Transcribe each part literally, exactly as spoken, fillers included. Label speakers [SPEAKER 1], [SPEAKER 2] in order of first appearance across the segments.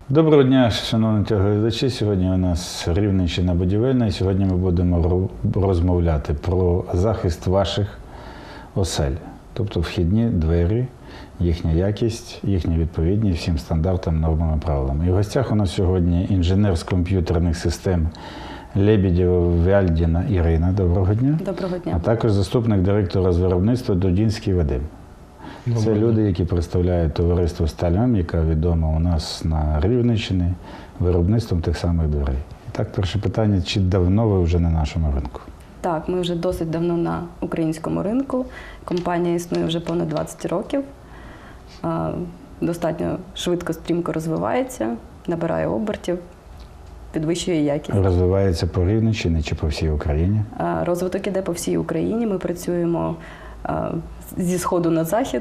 [SPEAKER 1] Доброго дня, шановні телеглядачі. Сьогодні у нас Рівненщина будівельна, і сьогодні ми будемо розмовляти про захист ваших осель, тобто вхідні двері, їхня якість, їхня відповідність всім стандартам, нормам і правилам. І в гостях у нас сьогодні інженер з комп'ютерних систем Лебедєва-Вяльдіна Ірина. Доброго дня.
[SPEAKER 2] Доброго дня.
[SPEAKER 1] А також заступник директора з виробництва Дудінський Вадим. Це люди, які представляють товариство «Сталь-М», яка відома у нас на Рівненщині виробництвом тих самих дверей. І так, перше питання, чи давно ви вже на нашому ринку?
[SPEAKER 2] Так, ми вже досить давно на українському ринку. Компанія існує вже понад двадцять років. Достатньо швидко, стрімко розвивається, набирає обертів, підвищує якість.
[SPEAKER 1] Розвивається по Рівненщині чи по всій Україні?
[SPEAKER 2] Розвиток іде по всій Україні. Ми працюємо зі сходу на захід.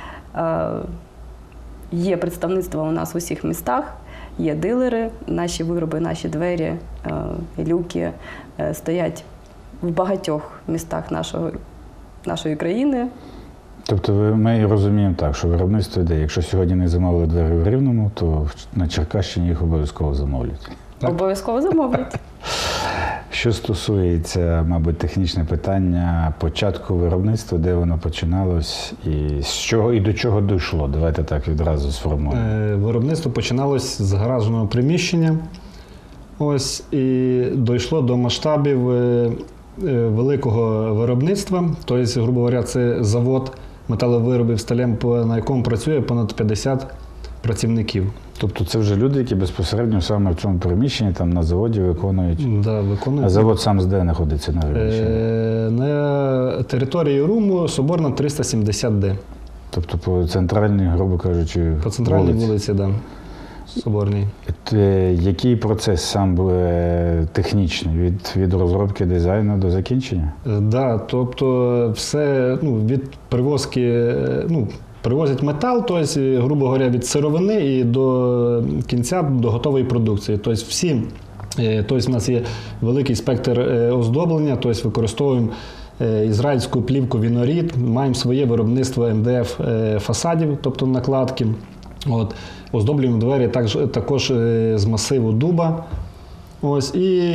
[SPEAKER 2] Є представництво у нас в усіх містах, є дилери, наші вироби, наші двері, люки стоять в багатьох містах нашого, нашої країни.
[SPEAKER 1] Тобто ми розуміємо так, що виробництво йде, якщо сьогодні не замовили двері в Рівному, то на Черкащині їх обов'язково замовлять.
[SPEAKER 2] Обов'язково замовлять.
[SPEAKER 1] Що стосується, мабуть, технічне питання початку виробництва, де воно починалось і з чого і до чого дійшло? Давайте так відразу сформуємо.
[SPEAKER 3] Е, виробництво починалось з гаражного приміщення. Ось, і дійшло до масштабів е, е, великого виробництва. Тобто, грубо говоря, це завод металовиробів «Сталь-М», на якому працює понад п'ятдесят працівників.
[SPEAKER 1] Тобто це вже люди, які безпосередньо саме в цьому приміщенні, там на заводі виконують?
[SPEAKER 3] Да, виконують.
[SPEAKER 1] А завод сам де знаходиться на Рівненщині?
[SPEAKER 3] Е, на території Руму Соборна триста сімдесят Д.
[SPEAKER 1] Тобто по центральній, грубо кажучи,
[SPEAKER 3] По центральній
[SPEAKER 1] вулиці,
[SPEAKER 3] вулиці, да, Соборній.
[SPEAKER 1] Е, Який процес сам е, технічний, від, від розробки дизайну до закінчення?
[SPEAKER 3] Так, да, тобто все, ну, від привозки, ну, привозять метал, тобто, грубо говоря, від сировини і до кінця, до готової продукції. Тобто всі, тобто, у нас є великий спектр оздоблення, тобто використовуємо ізраїльську плівку Вінорід, маємо своє виробництво ем де еф фасадів, тобто накладки. От. Оздоблюємо двері також, також з масиву дуба. Ось,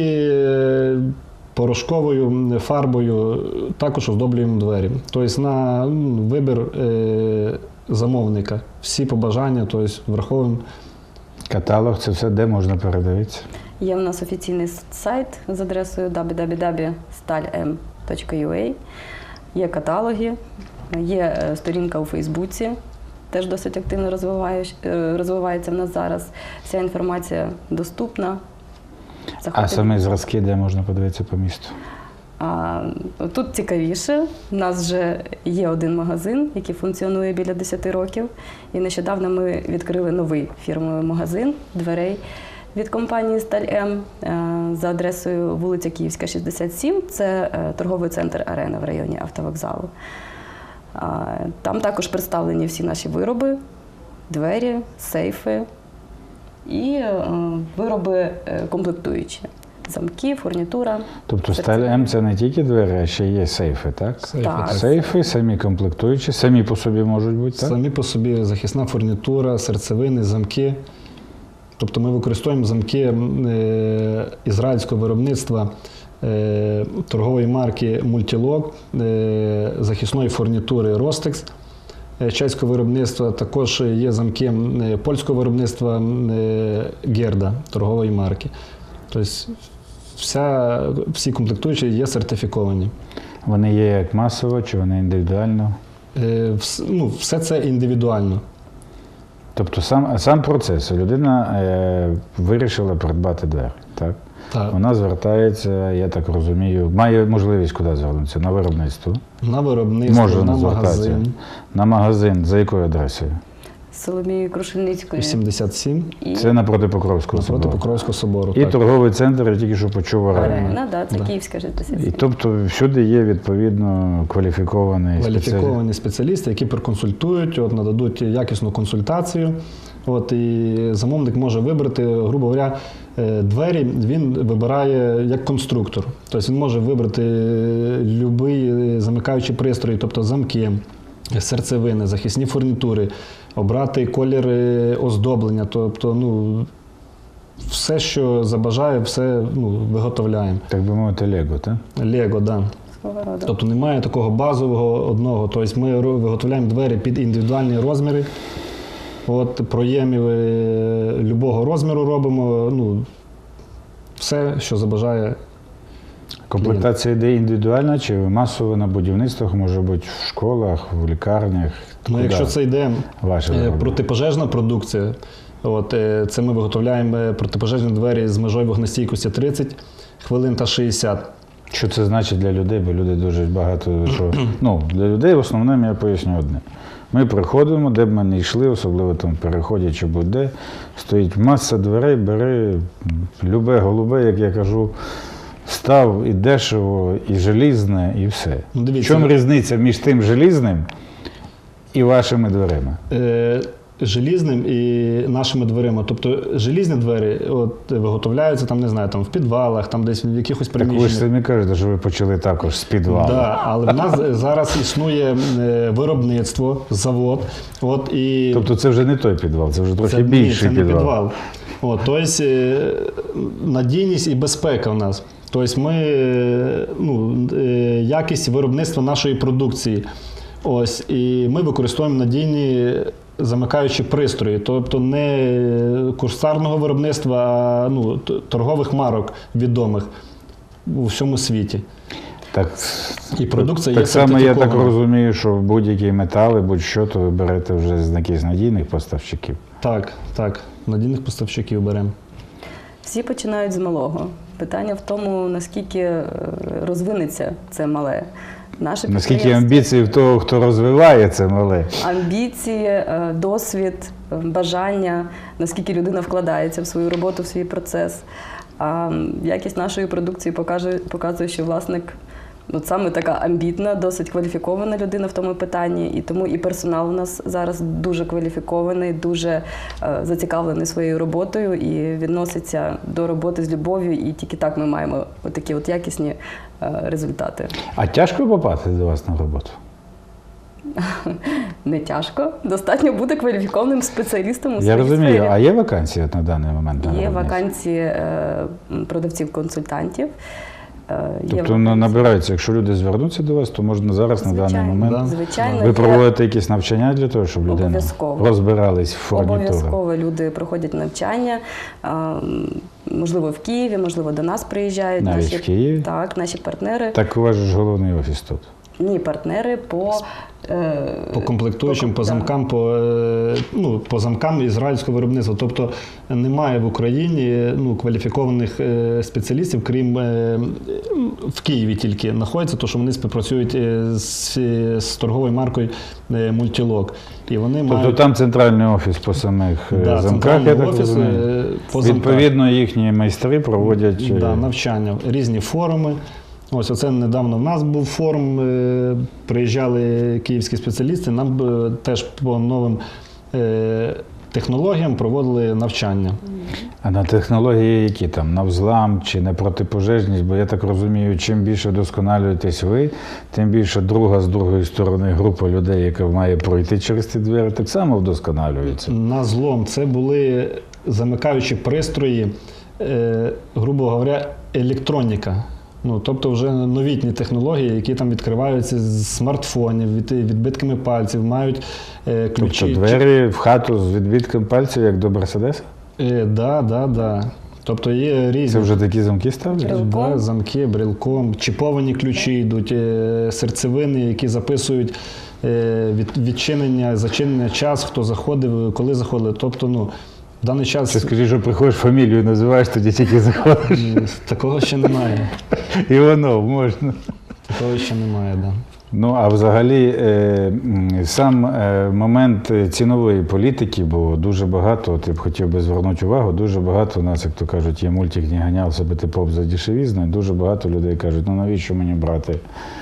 [SPEAKER 3] і порошковою фарбою також оздоблюємо двері. Тобто на вибір е, замовника. Всі побажання, тобто враховуємо.
[SPEAKER 1] Каталог, це все де можна передивитися?
[SPEAKER 2] Є в нас офіційний сайт з адресою дабл ю дабл ю дабл ю крапка сталь ем точка ю а. Є каталоги, є сторінка у Фейсбуці, теж досить активно розвивається в нас зараз. Вся інформація доступна.
[SPEAKER 1] Заходить. А самі зразки, де можна подивитися по місту?
[SPEAKER 2] А, тут цікавіше. У нас вже є один магазин, який функціонує біля десяти років. І нещодавно ми відкрили новий фірмовий магазин дверей від компанії «Сталь-М» за адресою вулиця Київська, шістдесят сім. Це торговий центр «Арена» в районі автовокзалу. Там також представлені всі наші вироби, двері, сейфи і вироби комплектуючі. Замки, фурнітура.
[SPEAKER 1] Тобто «Сталь-М» – це не тільки двері, а ще є сейфи, так?
[SPEAKER 3] Сейфи,
[SPEAKER 2] так.
[SPEAKER 1] Сейфи, самі комплектуючі, самі по собі можуть бути, так?
[SPEAKER 3] Самі по собі захисна фурнітура, серцевини, замки. Тобто ми використовуємо замки е, ізраїльського виробництва е, торгової марки «Мультілок», е, захисної фурнітури «Ростекс», е, чеського виробництва. Також є замки е, польського виробництва е, «Герда» торгової марки. Тобто вся, всі комплектуючі є сертифіковані.
[SPEAKER 1] Вони є як масово, чи вони індивідуально?
[SPEAKER 3] Е, вс, ну, все це індивідуально.
[SPEAKER 1] Тобто сам, сам процес. Людина е, вирішила придбати двері, так?
[SPEAKER 3] Так.
[SPEAKER 1] Вона звертається, я так розумію, має можливість куди звернутися? На виробництво?
[SPEAKER 3] На виробництво,
[SPEAKER 1] Може
[SPEAKER 3] на магазин.
[SPEAKER 1] На магазин. За якою адресою?
[SPEAKER 2] Соломії Крушельницької.
[SPEAKER 3] вісімдесят сім.
[SPEAKER 2] І...
[SPEAKER 1] Це напроти Покровського собору.
[SPEAKER 3] Напроти Покровського собору.
[SPEAKER 1] І
[SPEAKER 3] так.
[SPEAKER 1] торговий центр, я тільки що почув, «Арена».
[SPEAKER 2] Арена, да, це
[SPEAKER 3] Да.
[SPEAKER 2] Київська шістдесят сім.
[SPEAKER 1] І тобто всюди є відповідно кваліфікований
[SPEAKER 3] Кваліфіковані спеціалісти, які проконсультують, от, нададуть якісну консультацію. От, і замовник може вибрати, грубо говоря, двері він вибирає як конструктор. Тобто він може вибрати будь-який замикаючий пристрій, тобто замки, серцевини, захисні фурнітури, обрати колір оздоблення, тобто ну, все, що забажає, все ну, виготовляємо.
[SPEAKER 1] Так би мовити, Лего, так?
[SPEAKER 3] Лего, так. Да.
[SPEAKER 2] Свого роду.
[SPEAKER 3] Тобто немає такого базового одного. Тобто ми ро- виготовляємо двері під індивідуальні розміри. От, проємів е, любого розміру робимо. Ну, все, що забажає.
[SPEAKER 1] Комплектація йде індивідуальна чи масово на будівництвах, може бути в школах, в лікарнях?
[SPEAKER 3] Ну,
[SPEAKER 1] Куди
[SPEAKER 3] якщо це йде
[SPEAKER 1] ваше
[SPEAKER 3] е,
[SPEAKER 1] вироблення?
[SPEAKER 3] протипожежна продукція, от, е, це ми виготовляємо е, протипожежні двері з межою вогнестійкості тридцять хвилин та шістдесят.
[SPEAKER 1] Що це значить для людей? Бо люди дуже багато що. Ну, для людей в основному я поясню одне. Ми приходимо, де б ми не йшли, особливо там в переході чи будь-де, стоїть маса дверей, бери любе голубе, як я кажу, став і дешево, і желізне, і все.
[SPEAKER 3] Ну,
[SPEAKER 1] В
[SPEAKER 3] дивіться,
[SPEAKER 1] чому різниця між тим желізним і вашими дверима?
[SPEAKER 3] Е, желізним і нашими дверима. Тобто желізні двері от, виготовляються там, не знаю, там в підвалах, там десь в якихось
[SPEAKER 1] Так ви ж
[SPEAKER 3] приміщеннях.
[SPEAKER 1] самі кажете, що ви почали також з підвалу.
[SPEAKER 3] Да, але в нас зараз існує е, виробництво, завод. От, і
[SPEAKER 1] Тобто це вже не той підвал, це вже трохи
[SPEAKER 3] це, ні,
[SPEAKER 1] більший
[SPEAKER 3] це не
[SPEAKER 1] підвал.
[SPEAKER 3] підвал. От, тобто е, надійність і безпека в нас. Тобто ми, е, ну, е, якість виробництва нашої продукції. Ось, і ми використовуємо надійні замикаючі пристрої, тобто не курсарного виробництва, а ну, т- торгових марок відомих у всьому світі.
[SPEAKER 1] Так,
[SPEAKER 3] І продукція
[SPEAKER 1] так
[SPEAKER 3] є
[SPEAKER 1] само я так
[SPEAKER 3] сертифікована.
[SPEAKER 1] розумію, що будь-які метали, будь-що, то ви берете вже з якихось надійних поставщиків.
[SPEAKER 3] Так, так, надійних поставщиків беремо.
[SPEAKER 2] Всі починають з малого. Питання в тому, наскільки е, розвинеться це мале. Наше
[SPEAKER 1] Наскільки
[SPEAKER 2] підприємство-
[SPEAKER 1] амбіції в того, хто розвиває це мале.
[SPEAKER 2] амбіції, е, досвід, е, бажання, наскільки людина вкладається в свою роботу, в свій процес. А м, якість нашої продукції покаже, показує, що власник от саме така амбітна, досить кваліфікована людина в тому питанні. І тому і персонал у нас зараз дуже кваліфікований, дуже е, зацікавлений своєю роботою і відноситься до роботи з любов'ю. І тільки так ми маємо такі от якісні е, результати.
[SPEAKER 1] А тяжко попасти до вас на роботу?
[SPEAKER 2] Не тяжко. Достатньо бути кваліфікованим спеціалістом у
[SPEAKER 1] Я
[SPEAKER 2] своїй
[SPEAKER 1] розумію,
[SPEAKER 2] сфері.
[SPEAKER 1] а є вакансії от на даний момент? на
[SPEAKER 2] Є
[SPEAKER 1] виробництві?
[SPEAKER 2] вакансії е, продавців-консультантів. Е, є
[SPEAKER 1] Тобто ну, набираються, якщо люди звернуться до вас, то можна зараз на даний
[SPEAKER 2] Звичайно,
[SPEAKER 1] момент.
[SPEAKER 3] Да.
[SPEAKER 2] звичайно,
[SPEAKER 1] Ви
[SPEAKER 2] є-
[SPEAKER 1] проводите якісь навчання для того, щоб людина
[SPEAKER 2] Обов'язково.
[SPEAKER 1] розбирались в фурнітурі?
[SPEAKER 2] Обов'язково люди проходять навчання, е, можливо, в Києві, можливо, до нас приїжджають
[SPEAKER 1] Навіть
[SPEAKER 2] наші
[SPEAKER 1] в Києві?
[SPEAKER 2] Так, наші партнери.
[SPEAKER 1] Так у вас же ж головний офіс тут.
[SPEAKER 2] Ні, партнери по, е,
[SPEAKER 3] По комплектуючим, по
[SPEAKER 2] да.
[SPEAKER 3] замкам, по, е, ну, по замкам ізраїльського виробництва. Тобто немає в Україні ну, кваліфікованих е, спеціалістів, крім е, в Києві тільки знаходяться, тому що вони співпрацюють е, з, з торговою маркою е, Multilog. І вони
[SPEAKER 1] Тобто
[SPEAKER 3] мають
[SPEAKER 1] там центральний офіс по самих е,
[SPEAKER 3] да,
[SPEAKER 1] замках,
[SPEAKER 3] центральний
[SPEAKER 1] я так
[SPEAKER 3] офіс,
[SPEAKER 1] розумію.
[SPEAKER 3] е, по замках.
[SPEAKER 1] Відповідно, їхні майстри проводять е,
[SPEAKER 3] Да, навчання, різні форуми. Ось оце недавно в нас був форум, е, приїжджали київські спеціалісти, нам е, теж по новим е, технологіям проводили навчання.
[SPEAKER 1] А на технології які там? На взлам чи на протипожежність? Бо я так розумію, чим більше вдосконалюєтесь ви, тим більше друга з другої сторони група людей, яка має пройти через ті двері, так само вдосконалюється.
[SPEAKER 3] На злом це були замикаючі пристрої, е, грубо говоря, електроніка. Ну, тобто вже новітні технології, які там відкриваються з смартфонів, від, відбитками пальців, мають е, ключі.
[SPEAKER 1] Тобто двері в хату з відбитком пальців, як до Мерседеса?
[SPEAKER 3] Е, да, да, да. Тобто є різні
[SPEAKER 1] Це вже такі замки ставлять?
[SPEAKER 2] Брелком?
[SPEAKER 3] да, замки, брелком, чіповані ключі йдуть, е, серцевини, які записують е, від, відчинення, зачинення, час, хто заходив, коли заходили. Тобто, ну, в даний час
[SPEAKER 1] Чи скажи, що приходиш фамілію, називаєш, тоді тільки заходиш.
[SPEAKER 3] м, такого ще немає.
[SPEAKER 1] І воно можна.
[SPEAKER 3] Такого ще немає, да.
[SPEAKER 1] Ну, а взагалі е, м, сам е, момент цінової політики, бо дуже багато, от я б хотів би звернути увагу, дуже багато у нас, як то кажуть, є мультик «Не ганяв себе ти поп за дешевізною», дуже багато людей кажуть, ну навіщо мені брати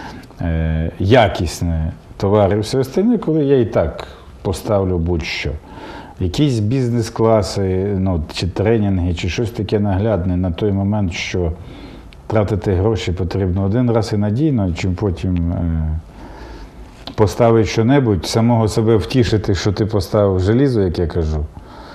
[SPEAKER 1] е, якісне товари і все остальне, коли я і так поставлю будь-що. Якісь бізнес-класи, ну, чи тренінги, чи щось таке наглядне на той момент, що тратити гроші потрібно один раз і надійно, чим потім е, поставити що-небудь, самого себе втішити, що ти поставив желізо, як я кажу,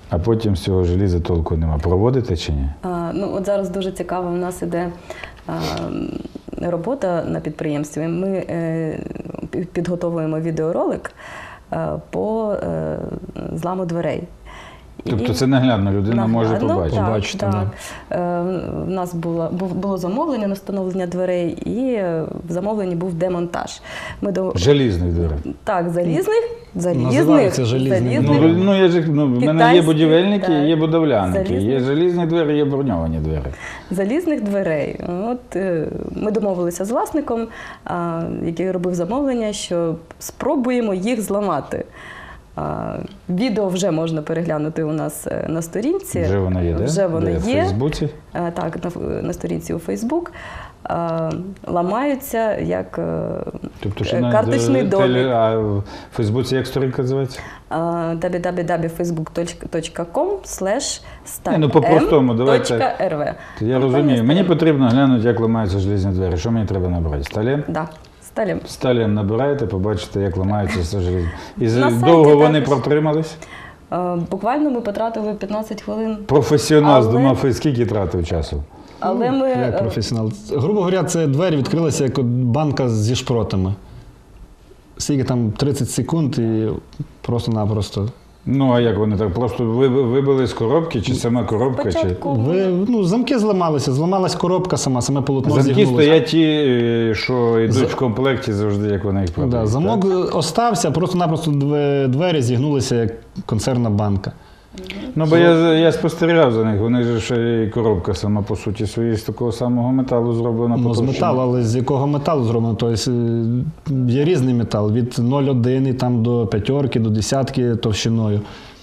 [SPEAKER 1] А потім з цього желіза толку нема. Проводите чи ні?
[SPEAKER 2] А, ну, от зараз дуже цікаво, у нас іде а, робота на підприємстві. Ми е, підготовуємо відеоролик е, по е, зламу дверей.
[SPEAKER 1] Тобто це наглядно, людина може
[SPEAKER 2] Наглядно,
[SPEAKER 1] побачити.
[SPEAKER 2] Так,
[SPEAKER 3] Побачити,
[SPEAKER 2] так. Е, В нас було, був- було замовлення на встановлення дверей, і в замовленні був демонтаж. Ми до...
[SPEAKER 1] Желізних дверей.
[SPEAKER 2] Так, залізних, залізних,
[SPEAKER 3] Називаються желізні.
[SPEAKER 1] Ну,
[SPEAKER 2] залізних.
[SPEAKER 1] ну, я ж, ну, в мене є
[SPEAKER 2] Китайські,
[SPEAKER 1] будівельники,
[SPEAKER 2] так.
[SPEAKER 1] є будовляники, є
[SPEAKER 2] Залізні.
[SPEAKER 1] желізні двері, є броньовані двері.
[SPEAKER 2] Залізних дверей. От е, ми домовилися з власником, а, який робив замовлення, що спробуємо їх зламати. А, Відео вже можна переглянути у нас е, на сторінці.
[SPEAKER 1] Вже воно є, де?
[SPEAKER 2] Вже воно
[SPEAKER 1] Де? В
[SPEAKER 2] є.
[SPEAKER 1] Фейсбуці?
[SPEAKER 2] Е, Так, на, на сторінці у Фейсбук. А, Ламаються як е,
[SPEAKER 1] Тобто,
[SPEAKER 2] е,
[SPEAKER 1] на
[SPEAKER 2] карточний
[SPEAKER 1] теле-
[SPEAKER 2] домик.
[SPEAKER 1] А в Фейсбуці як сторінка називається?
[SPEAKER 2] дабл ю дабл ю дабл ю крапка фейсбук точка ком слеш
[SPEAKER 1] Ні, ну, по-простому, давайте.
[SPEAKER 2] .rv.
[SPEAKER 1] Я розумію. Мені потрібно глянути, як ламаються желізні двері. Що мені треба набрати? Сталін?
[SPEAKER 2] Да, сталім.
[SPEAKER 1] Сталін набираєте, побачите, як ламаються все желізні. І з-
[SPEAKER 2] На сайті
[SPEAKER 1] довго вони
[SPEAKER 2] також.
[SPEAKER 1] протримались?
[SPEAKER 2] Е, Буквально ми потратили п'ятнадцять хвилин.
[SPEAKER 1] Професіонал з
[SPEAKER 2] Але-
[SPEAKER 1] двома фей- скільки тратив часу?
[SPEAKER 2] Але ми
[SPEAKER 3] Як
[SPEAKER 2] е,
[SPEAKER 3] професіонал. Грубо говоря, це двері відкрилися як от банка зі шпротами. Скільки там тридцять секунд і просто-напросто.
[SPEAKER 1] Ну, а як вони так? Просто ви- вибили з коробки, чи сама коробка? Чи...
[SPEAKER 2] спочатку
[SPEAKER 3] Ви, ну, замки зламалися, зламалась коробка сама, саме полотно
[SPEAKER 1] Замки
[SPEAKER 3] зігнулося.
[SPEAKER 1] стоять ті, е, що йдуть в комплекті завжди, як вони їх продають.
[SPEAKER 3] Да, замок остався, просто-напросто две- двері зігнулися як консервна банка.
[SPEAKER 1] Ну, бо я, я спостерігав за них. Вони ж ще і коробка сама по суті своєї з такого самого металу зроблена.
[SPEAKER 3] Ну, з
[SPEAKER 1] потовщена.
[SPEAKER 3] металу, але з якого металу зроблено? Тобто е, є різний метал, від нуль цілих один і там до п'ятерки, до десятки товщиною.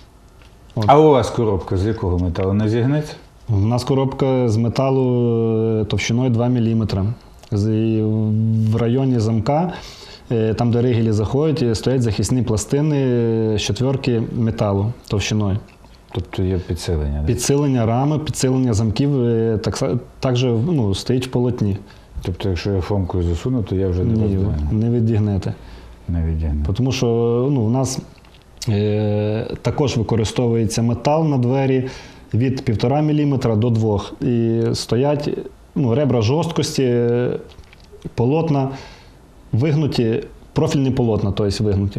[SPEAKER 1] А у вас коробка з якого металу? Не зігнеться?
[SPEAKER 3] У нас коробка з металу е, товщиною два міліметри. З- і В районі замка, е, там, де ригелі заходять, е, стоять захисні пластини е, з четверки металу товщиною.
[SPEAKER 1] Тобто є підсилення. да?
[SPEAKER 3] Підсилення рами, підсилення замків е, так, са- також ну, стоїть в полотні.
[SPEAKER 1] Тобто, якщо я фомкою засуну, то я вже не
[SPEAKER 3] Ні,
[SPEAKER 1] роздвину.
[SPEAKER 3] не відігнете.
[SPEAKER 1] Не відігну.
[SPEAKER 3] Тому що ну, у нас е, також використовується метал на двері від півтора міліметра до двох. І стоять ну, ребра жорсткості, е, полотна вигнуті, профільні полотна, тобто вигнуті.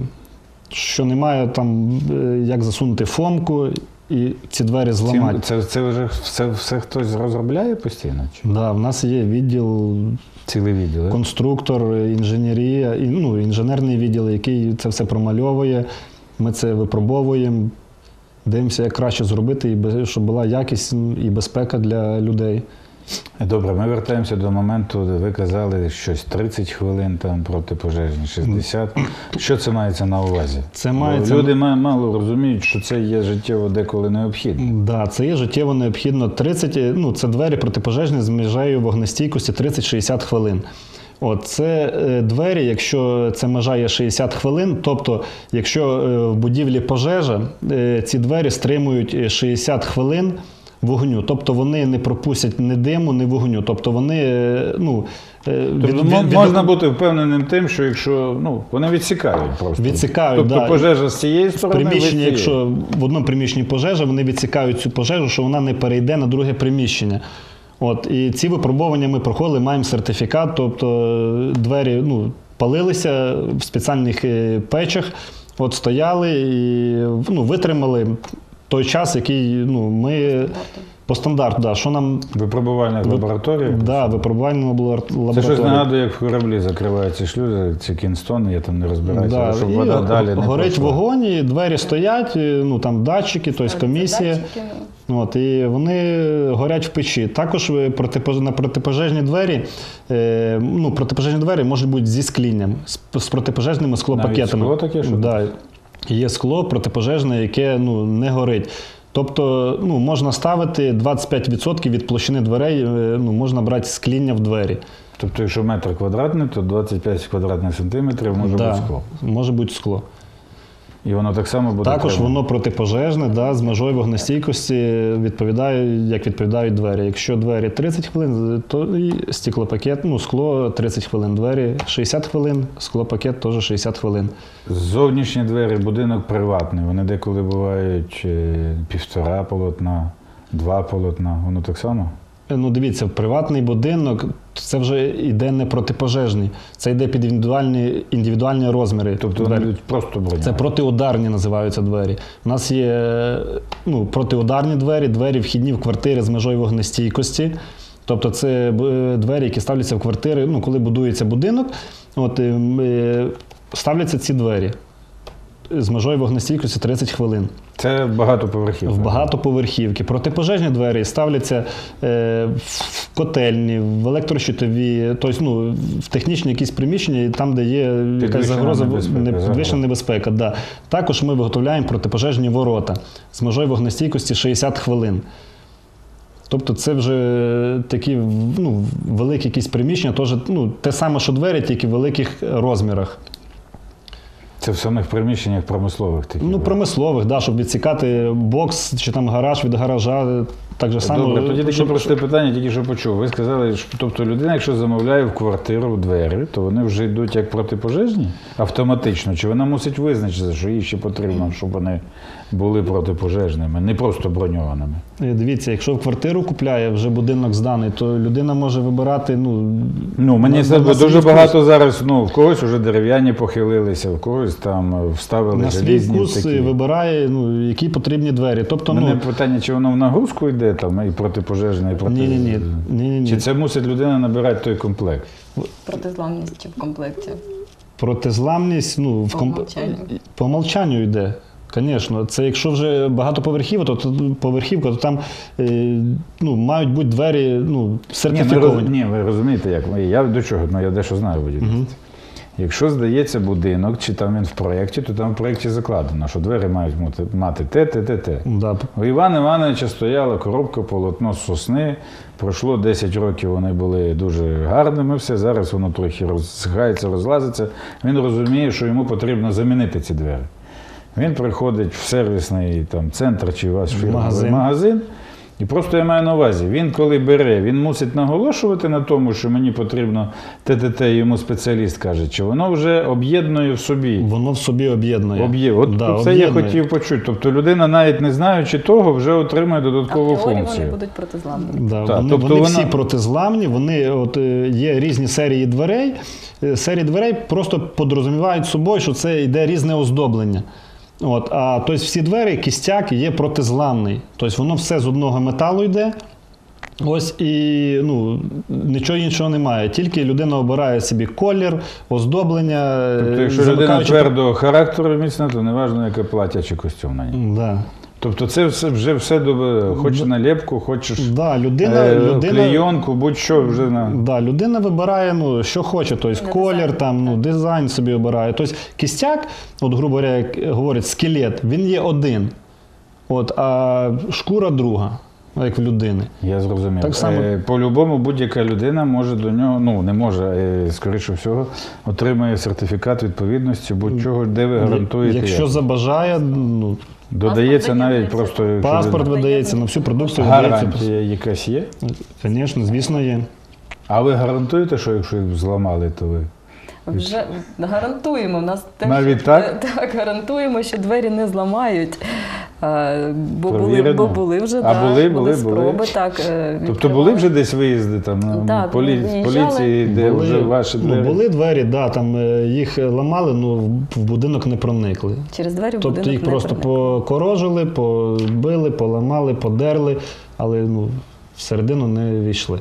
[SPEAKER 3] Що немає там, е, як засунути фомку і ці двері зламати.
[SPEAKER 1] Це, це вже все, все хтось розробляє постійно? Чи?
[SPEAKER 3] Да, в нас є відділ,
[SPEAKER 1] Цілий відділ, да?
[SPEAKER 3] конструктор, інженерія, і, ну, інженерний відділ, який це все промальовує. Ми це випробовуємо, дивимося, як краще зробити, і без- щоб була якість і безпека для людей.
[SPEAKER 1] Добре, ми вертаємося до моменту, де ви казали щось тридцять хвилин, там протипожежні шістдесят. Що це мається на увазі?
[SPEAKER 3] Це
[SPEAKER 1] Бо
[SPEAKER 3] мається-
[SPEAKER 1] Люди ма- мало розуміють, що це є життєво деколи необхідно.
[SPEAKER 3] Да, це є життєво необхідно. тридцять, ну, це двері протипожежні з межею вогнестійкості тридцять-шістдесят хвилин. От, це е, двері, якщо це межа є шістдесят хвилин, тобто, якщо е, в будівлі пожежа, е, ці двері стримують е, шістдесят хвилин вогню. Тобто вони не пропустять ні диму, ні вогню. Тобто вони, е, ну, е,
[SPEAKER 1] Тобто
[SPEAKER 3] від-
[SPEAKER 1] мо-
[SPEAKER 3] від-
[SPEAKER 1] можна бути впевненим тим, що якщо ну, вони відсікають просто.
[SPEAKER 3] Відсікають,
[SPEAKER 1] тобто
[SPEAKER 3] да.
[SPEAKER 1] пожежа з цієї
[SPEAKER 3] В
[SPEAKER 1] сторони. ви з
[SPEAKER 3] приміщенні,
[SPEAKER 1] цієї.
[SPEAKER 3] якщо в одному приміщенні пожежа, вони відсікають цю пожежу, що вона не перейде на друге приміщення. От, і ці випробування ми проходили, маємо сертифікат, тобто е, двері ну, палилися в спеціальних е, печах, от стояли і ну, витримали той час, який ну, ми по стандарту, да, що нам
[SPEAKER 1] Випробувальних лабораторій.
[SPEAKER 3] да, випробувальна лабораторія.
[SPEAKER 1] Це щось нагадує, як в кораблі закриваються шлюзи, ці кінстони, я там не розбираюся,
[SPEAKER 3] Да,
[SPEAKER 1] щоб
[SPEAKER 3] і
[SPEAKER 1] вода далі не
[SPEAKER 3] горить
[SPEAKER 1] пройшла.
[SPEAKER 3] вогонь, і двері стоять, і, ну там датчики, тобто комісія.
[SPEAKER 2] датчики.
[SPEAKER 3] От, і вони горять в печі. Також ви протипож- на протипожежні двері, е, ну, протипожежні двері можуть бути зі склінням, з, з протипожежними склопакетами.
[SPEAKER 1] скло таке, що
[SPEAKER 3] да. Є скло протипожежне, яке ну, не горить. Тобто ну, можна ставити двадцять п'ять відсотків від площини дверей, е, ну, можна брати скління в двері.
[SPEAKER 1] Тобто, якщо метр квадратний, то двадцять п'ять квадратних сантиметрів може
[SPEAKER 3] Да,
[SPEAKER 1] бути скло.
[SPEAKER 3] може бути скло.
[SPEAKER 1] І воно так само буде.
[SPEAKER 3] Також
[SPEAKER 1] треба?
[SPEAKER 3] воно протипожежне, да, з межою вогнестійкості відповідає, як відповідають двері. Якщо двері тридцять хвилин, то і стеклопакет, ну, скло тридцять хвилин, двері шістдесят хвилин, склопакет теж шістдесят хвилин.
[SPEAKER 1] Зовнішні двері, будинок приватний, вони деколи бувають е, півтора полотна, два полотна, воно так само?
[SPEAKER 3] Ну, дивіться, приватний будинок це вже йде не протипожежний, це йде під індивідуальні, індивідуальні розміри.
[SPEAKER 1] Тобто вони будуть просто броньовані?
[SPEAKER 3] Це протиударні називаються двері. У нас є ну, протиударні двері, двері вхідні в квартири з межою вогнестійкості. Тобто це е, двері, які ставляться в квартири, ну, коли будується будинок, от, е, ставляться ці двері з межою вогнестійкості тридцять хвилин.
[SPEAKER 1] Це багатоповерхівка?
[SPEAKER 3] В багатоповерхівки. Протипожежні двері ставляться е, в котельні, в електрощитові, тобто ну, в технічні якісь приміщення, там, де є якась
[SPEAKER 1] Підвищена
[SPEAKER 3] загроза,
[SPEAKER 1] небезпека,
[SPEAKER 3] не- підвищена
[SPEAKER 1] загроза.
[SPEAKER 3] небезпека. Да. Також ми виготовляємо протипожежні ворота з межою вогнестійкості шістдесят хвилин. Тобто це вже такі ну, великі якісь приміщення, теж, ну, те саме, що двері, тільки в великих розмірах.
[SPEAKER 1] Це в самих приміщеннях промислових таких?
[SPEAKER 3] Ну,
[SPEAKER 1] да?
[SPEAKER 3] промислових, да, щоб відсікати бокс чи там гараж від гаража, так же само.
[SPEAKER 1] Добре, тоді таке
[SPEAKER 3] щоб-
[SPEAKER 1] просте питання, тільки що почув. Ви сказали, що тобто людина, якщо замовляє в квартиру двері, то вони вже йдуть як протипожежні автоматично? Чи вона мусить визначитися, що їй ще потрібно, щоб вони були протипожежними, не просто броньованими?
[SPEAKER 3] Е, Дивіться, якщо в квартиру купляє, вже будинок зданий, то людина може вибирати, ну,
[SPEAKER 1] Ну, мені
[SPEAKER 3] на-
[SPEAKER 1] це
[SPEAKER 3] на свій
[SPEAKER 1] дуже
[SPEAKER 3] вкус.
[SPEAKER 1] багато зараз, ну, в когось вже дерев'яні похилилися, в когось там вставили
[SPEAKER 3] на свій
[SPEAKER 1] желізні
[SPEAKER 3] вкус
[SPEAKER 1] такі.
[SPEAKER 3] вибирає, ну, які потрібні двері. Тобто,
[SPEAKER 1] У мене
[SPEAKER 3] ну,
[SPEAKER 1] питання, чи воно в нагрузку йде, там, і протипожежне, і проти...
[SPEAKER 3] ні-ні-ні, ні-ні-ні.
[SPEAKER 1] Чи це мусить людина набирати той комплект?
[SPEAKER 2] Протизламність чи в комплекті.
[SPEAKER 3] Протизламність, ну, в
[SPEAKER 2] По
[SPEAKER 3] комп...
[SPEAKER 2] умолчанню.
[SPEAKER 3] по умолчанню йде. Звісно, це якщо вже багатоповерхівка, то, то поверхівка, то там е, ну, мають бути двері ну,
[SPEAKER 1] Ні, ми
[SPEAKER 3] сертифіковані.
[SPEAKER 1] роз... Ні, ви розумієте, як. Я до чого? Ну, я дещо знаю будівництво. Якщо здається будинок, чи там він в проєкті, то там в проєкті закладено, що двері мають мати- мати те, те, те, те.
[SPEAKER 3] Да.
[SPEAKER 1] У Івана Івановича стояла коробка, полотно з сосни. Пройшло десять років, вони були дуже гарними, все. Зараз воно трохи розсихається, розлазиться. Він розуміє, що йому потрібно замінити ці двері. Він приходить в сервісний там, центр чи у вас фірмовий
[SPEAKER 3] Магазин.
[SPEAKER 1] магазин. І просто я маю на увазі, він коли бере, він мусить наголошувати на тому, що мені потрібно ТТТ, йому спеціаліст каже, чи воно вже об'єднує в собі.
[SPEAKER 3] Воно в собі об'єднує.
[SPEAKER 1] Об'є... От
[SPEAKER 3] Да,
[SPEAKER 1] це я
[SPEAKER 3] об'єднує.
[SPEAKER 1] хотів почути. Тобто людина, навіть не знаючи того, вже отримує
[SPEAKER 2] А
[SPEAKER 1] додаткову
[SPEAKER 2] в теорії
[SPEAKER 1] функцію.
[SPEAKER 2] вони будуть протизламні.
[SPEAKER 3] Да,
[SPEAKER 1] Так,
[SPEAKER 3] вони
[SPEAKER 1] тобто
[SPEAKER 3] вони
[SPEAKER 1] вона-
[SPEAKER 3] всі протизламні, вони от, е, є різні серії дверей. Е, Серії дверей просто подрозумівають собою, що це йде різне оздоблення. От, а тобто всі двері, кістяк є протизламний. Тобто воно все з одного металу йде. Ось і ну, нічого іншого немає. Тільки людина обирає собі колір, оздоблення.
[SPEAKER 1] Тобто,
[SPEAKER 3] е,
[SPEAKER 1] якщо людина
[SPEAKER 3] замикаючи-
[SPEAKER 1] твердого характеру міцна, то не важливо, яке плаття чи костюм на ній.
[SPEAKER 3] Да.
[SPEAKER 1] Тобто це все, вже все до хочеш наліпку, хочеш
[SPEAKER 3] Да, людина,
[SPEAKER 1] е,
[SPEAKER 3] людина,
[SPEAKER 1] клейонку, будь-що вже на.
[SPEAKER 3] Да, людина вибирає, ну, що хоче, тобто
[SPEAKER 2] Не
[SPEAKER 3] колір,
[SPEAKER 2] дизайн,
[SPEAKER 3] там, ну, дизайн собі обирає. Тобто кістяк, от, грубо говоря, як говорять, скелет, він є один, от, а шкура друга, як в людини.
[SPEAKER 1] Я зрозумів.
[SPEAKER 3] Так само-
[SPEAKER 1] Е, По-любому будь-яка людина може до нього, ну не може, е, скоріше всього, отримає сертифікат відповідності будь-чого, де ви гарантуєте.
[SPEAKER 3] Якщо
[SPEAKER 1] як.
[SPEAKER 3] забажає, ну,
[SPEAKER 1] Додається
[SPEAKER 2] Паспорт
[SPEAKER 1] навіть
[SPEAKER 2] видається.
[SPEAKER 1] просто якщо
[SPEAKER 3] паспорт
[SPEAKER 1] людина-
[SPEAKER 3] видається на всю продукцію, видається.
[SPEAKER 1] гарантія якась є.
[SPEAKER 3] Звісно, звісно, є.
[SPEAKER 1] А ви гарантуєте, що якщо їх зламали, то ви.
[SPEAKER 2] Вже гарантуємо. У нас теж
[SPEAKER 1] Навіть так?
[SPEAKER 2] так гарантуємо, що двері не зламають. А, Бо були,
[SPEAKER 1] Провірено?
[SPEAKER 2] бо були вже
[SPEAKER 1] А
[SPEAKER 2] да,
[SPEAKER 1] були, були,
[SPEAKER 2] спроби.
[SPEAKER 1] були?
[SPEAKER 2] Так, е,
[SPEAKER 1] Тобто
[SPEAKER 2] відкривали.
[SPEAKER 1] були вже десь виїзди там на
[SPEAKER 2] Так,
[SPEAKER 1] полі...
[SPEAKER 2] виїжджали.
[SPEAKER 1] поліції, де
[SPEAKER 3] Були-
[SPEAKER 1] вже ваші двері?
[SPEAKER 3] ну, були двері, да, там е, їх ламали, ну в будинок не проникли.
[SPEAKER 2] Через двері в
[SPEAKER 3] Тобто
[SPEAKER 2] будинок
[SPEAKER 3] їх
[SPEAKER 2] не
[SPEAKER 3] просто
[SPEAKER 2] проникли.
[SPEAKER 3] покорожили, побили, поламали, подерли, але ну, всередину не війшли.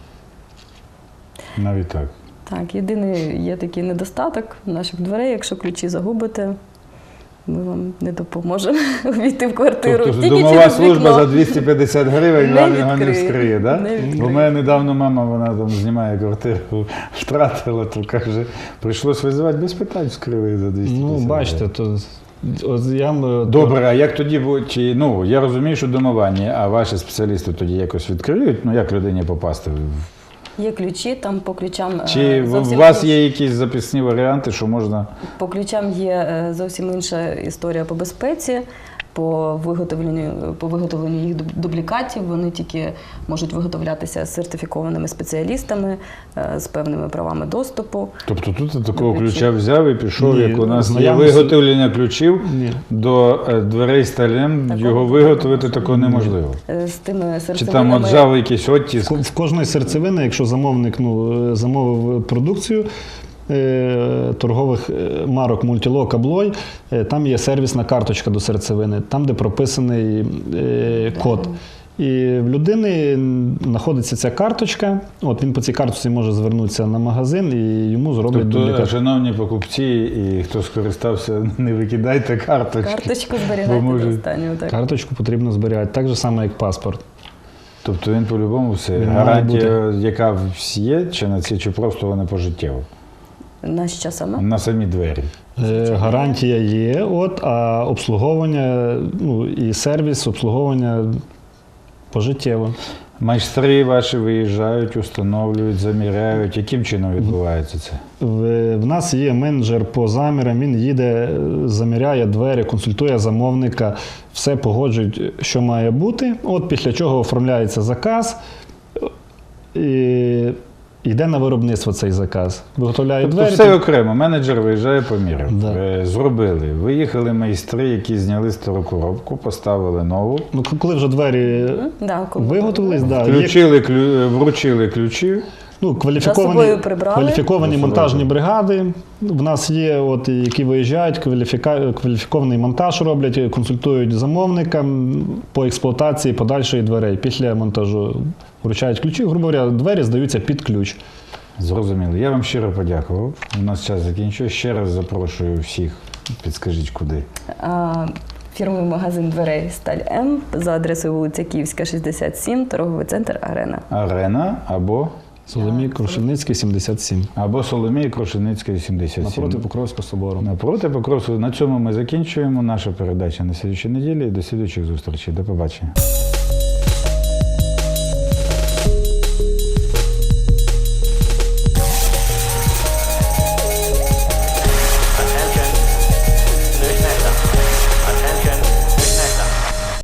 [SPEAKER 1] Навіть так.
[SPEAKER 2] Так, єдиний є такий недостаток наших дверей. Якщо ключі загубите, ми вам не допоможемо увійти в квартиру.
[SPEAKER 1] Тобто
[SPEAKER 2] Тільки
[SPEAKER 1] домова
[SPEAKER 2] через
[SPEAKER 1] служба
[SPEAKER 2] вікно.
[SPEAKER 1] за двісті п'ятдесят гривень
[SPEAKER 2] Не
[SPEAKER 1] вам його не
[SPEAKER 2] відкриє.
[SPEAKER 1] вскриє, да?
[SPEAKER 2] Не відкриє.
[SPEAKER 1] Бо в мене недавно мама, вона там знімає квартиру, втратила, то каже, прийшлось визивати без питань, вскрили за двісті п'ятдесят
[SPEAKER 3] Ну, бачите,
[SPEAKER 1] гривень.
[SPEAKER 3] то от я м-
[SPEAKER 1] Добре, а як тоді будуть, чи, ну, я розумію, що домовані, а ваші спеціалісти тоді якось відкриють, ну, як людині попасти в
[SPEAKER 2] Є ключі, там по ключам е,
[SPEAKER 1] Чи в- у
[SPEAKER 2] зовсім
[SPEAKER 1] вас
[SPEAKER 2] інші-
[SPEAKER 1] є якісь записні варіанти, що можна.
[SPEAKER 2] По ключам є е, зовсім інша історія по безпеці, по виготовленню, по виготовленню їх дуб- дублікатів. Вони тільки можуть виготовлятися сертифікованими спеціалістами е, з певними правами доступу.
[SPEAKER 1] Тобто тут такого
[SPEAKER 2] Ключі.
[SPEAKER 1] ключа взяв і пішов,
[SPEAKER 3] Ні,
[SPEAKER 1] як у нас є
[SPEAKER 3] знайомий-
[SPEAKER 1] виготовлення ключів
[SPEAKER 3] Ні.
[SPEAKER 1] до е, дверей сталем,
[SPEAKER 2] Такого
[SPEAKER 1] його
[SPEAKER 2] такого
[SPEAKER 1] виготовити такого неможливо.
[SPEAKER 2] Е, З тими
[SPEAKER 1] Чи там
[SPEAKER 2] серцевинами.
[SPEAKER 1] от взяв якийсь оттиск.
[SPEAKER 3] В кожної серцевини, якщо замовник ну, е, замовив продукцію е, торгових е, марок Multilog, Аблой, е, там є сервісна карточка до серцевини, там, де прописаний е, код. І в людини знаходиться ця карточка. От він по цій карточці може звернутися на магазин і йому зроблять
[SPEAKER 1] Тобто,
[SPEAKER 3] дублікат.
[SPEAKER 1] шановні покупці і хто скористався, не викидайте карточки.
[SPEAKER 2] Карточку
[SPEAKER 1] Бо
[SPEAKER 2] зберігайте
[SPEAKER 1] може-
[SPEAKER 2] до останнього. Так.
[SPEAKER 3] Карточку потрібно зберігати, так же само, як паспорт.
[SPEAKER 1] Тобто він по-любому все.
[SPEAKER 3] Він має
[SPEAKER 1] Гарантія, яка є, чи на ці, чи просто вона пожиттєва?
[SPEAKER 2] На що саме?
[SPEAKER 1] На самі двері.
[SPEAKER 3] Е, Гарантія є, от, а обслуговування ну, і сервіс обслуговування пожиттєво.
[SPEAKER 1] Майстри ваші виїжджають, установлюють, заміряють. Яким чином відбувається це?
[SPEAKER 3] В, в нас є менеджер по замірам, він їде, е, заміряє двері, консультує замовника, все погоджують, що має бути. От після чого оформляється заказ і йде на виробництво цей заказ. Виготовляють
[SPEAKER 1] Тобто
[SPEAKER 3] двері.
[SPEAKER 1] все окремо. Менеджер виїжджає, поміряв.
[SPEAKER 3] Да.
[SPEAKER 1] Е, Зробили. Виїхали майстри, які зняли стару коробку, поставили нову.
[SPEAKER 3] Ну, к- коли вже двері
[SPEAKER 2] Да, коли-
[SPEAKER 3] виготовились, да, є
[SPEAKER 1] Включили, клю... вручили ключі.
[SPEAKER 3] ну,
[SPEAKER 2] За
[SPEAKER 3] кваліфіковані,
[SPEAKER 2] собою прибрали.
[SPEAKER 3] кваліфіковані
[SPEAKER 1] За собою.
[SPEAKER 3] монтажні бригади. В нас є, от, які виїжджають, кваліфіка... кваліфікований монтаж роблять, консультують замовника по експлуатації подальшої дверей. Після монтажу вручають ключі, грубо говоря, двері здаються під ключ.
[SPEAKER 1] Зрозуміло. Я вам щиро подякував. У нас час закінчує. Ще раз запрошую всіх. Підскажіть, куди.
[SPEAKER 2] А, Фірмовий магазин дверей Сталь М за адресою вулиця Київська, шістдесят сім, торговий центр Арена.
[SPEAKER 1] Арена або,
[SPEAKER 3] Соломій Крушельницький, сімдесят сім.
[SPEAKER 1] або Соломія Крушеницька, сімдесят сім.
[SPEAKER 3] Напроти Покровського собору.
[SPEAKER 1] Напроти Покровського. На цьому ми закінчуємо. Наша передача на слідчій неділі. До слідуючих зустрічей. До побачення.